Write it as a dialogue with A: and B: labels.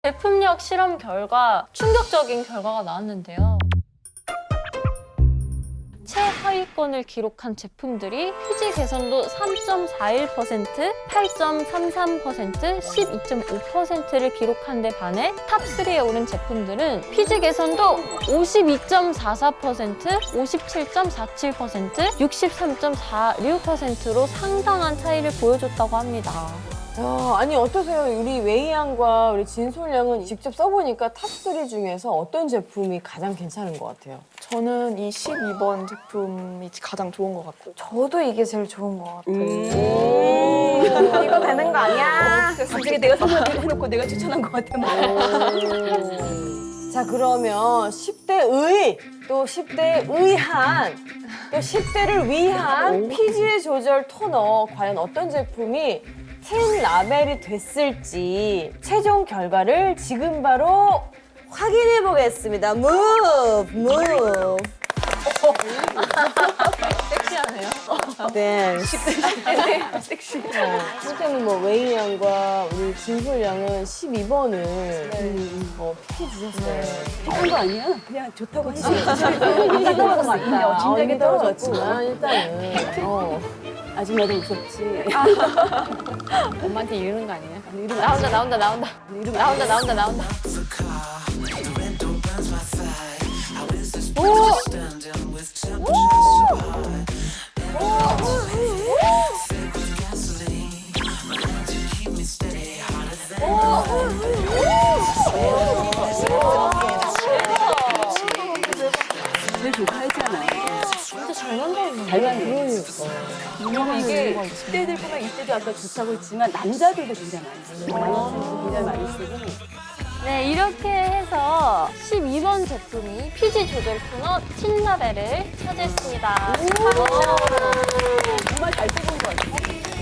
A: 제품력 실험 결과 충격적인 결과가 나왔는데요. 최하위권을 기록한 제품들이 피지 개선도 3.41%, 8.33%, 12.5%를 기록한 데 반해 탑3에 오른 제품들은 피지 개선도 52.44%, 57.47%, 63.46%로 상당한 차이를 보여줬다고 합니다.
B: 야, 아니 어떠세요? 우리 웨이양과 우리 진솔양은 직접 써보니까 탑3 중에서 어떤 제품이 가장 괜찮은 것 같아요?
C: 저는 이 12번 제품이 가장 좋은 것 같고.
D: 저도 이게 제일 좋은 것 같아요.
B: 이거 되는 거 아니야?
E: 갑자기 내가 선물을 해놓고 내가 추천한 것 같아.
B: 자, 그러면 10대 의, 또 10대 의한, 또 10대를 위한 피지 조절 토너 과연 어떤 제품이 10 라벨이 됐을지 최종 결과를 지금 바로 확인해 보겠습니다. move.
A: 섹시하네요.
B: 네. 섹시. 일단은 뭐 웨이 양과 우리 진솔 양은 12번을 픽해 주셨어요.
E: 픽한 거 아니야? 그냥 좋다고 하니까.
B: 진짜 떨어졌다.
E: 진작에
B: 떨어졌지만 일단은
E: 아직 나도 무섭지.
A: 엄마한테 이르는 거 아니에요? 나온다.
E: 제일 좋아했잖아.
A: 진짜 잘 만들었네.
E: 잘 만들었어. 그리고 이게 10대들뿐만 20대도 아까 좋다고 했지만 남자들도 굉장히 많이 쓰고 굉장히 많이 쓰고.
A: 네, 이렇게 해서 12번 제품이 피지 조절 토너 10라벨을 차지했습니다.
E: 정말 잘 써본 것 같아.